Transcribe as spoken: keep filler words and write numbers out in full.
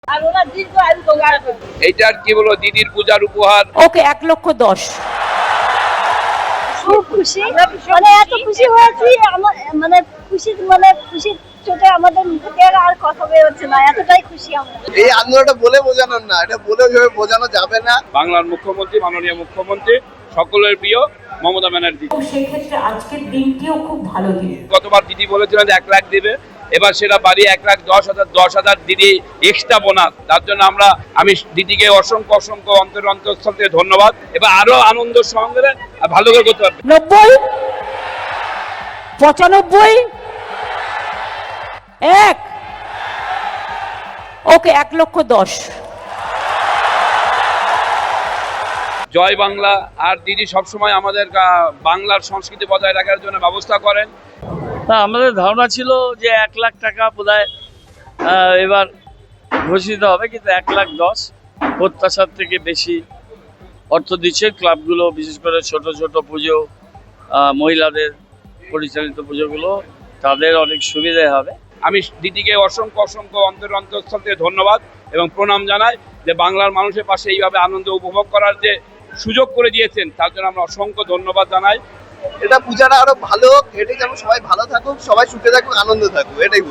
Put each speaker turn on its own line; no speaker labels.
এইটার কি বলো দিদির পূজার উপহার।
ওকে এক লক্ষ দশ।
খুব খুশি, মানে এত খুশি হয়েছি, মানে খুশি মানে খুশি চোটে আমাদের মুখ থেকে আর কথা বের হচ্ছে না, এতটাই খুশি আমরা।
এই আন্দোলনটা বলে বোঝানোর না, এটা বলে ওইভাবে বোঝানো যাবে না।
বাংলার মুখ্যমন্ত্রী, মাননীয় মুখ্যমন্ত্রী, সকলের প্রিয় মমতা ব্যানার্জি।
সেই ক্ষেত্রে আজকের দিনটিও খুব ভালো দিন।
গতবার দিদি বলেছিলেন যে এক লাখ দেবে, এবার সেটা বাড়িয়ে এক লাখ দশ হাজার দশ হাজার দিদি এক্সট্রা বোনাস। তার জন্য আমরা আমি দিদিকে অসংখ্য অসংখ্য অন্তর অন্তঃস্থল থেকে ধন্যবাদ। এবার আরো আনন্দ সঙ্গে ভালো করে করতে পারবে।
নব্বই, পঁচানব্বই, এক, ওকে এক লক্ষ দশ।
জয় বাংলা। আর দিদি সবসময় আমাদের বাংলার সংস্কৃতি বজায় রাখার জন্য ব্যবস্থা করেন।
আমাদের ধারণা ছিল যে এক লাখ টাকা বোধহয় এবার ঘোষিত হবে, কিন্তু এক লাখ দশ প্রত্যাশার থেকে বেশি অর্থ দিচ্ছে ক্লাবগুলো, বিশেষ করে ছোট ছোট পুজো, মহিলাদের পরিচালিত পুজোগুলো, তাদের অনেক সুবিধা হবে।
আমি দিদিকে অসংখ্য অসংখ্য অন্তর অন্তঃস্থল থেকে ধন্যবাদ এবং প্রণাম জানাই যে বাংলার মানুষের পাশে এইভাবে আনন্দ উপভোগ করার যে সুযোগ করে দিয়েছেন, তার জন্য আমরা অসংখ্য ধন্যবাদ জানাই।
এটা পূজাটা আরো ভালো হোক, এটাই যেন সবাই ভালো থাকুক, সবাই সুখে থাকুক, আনন্দ থাকুক, এটাই।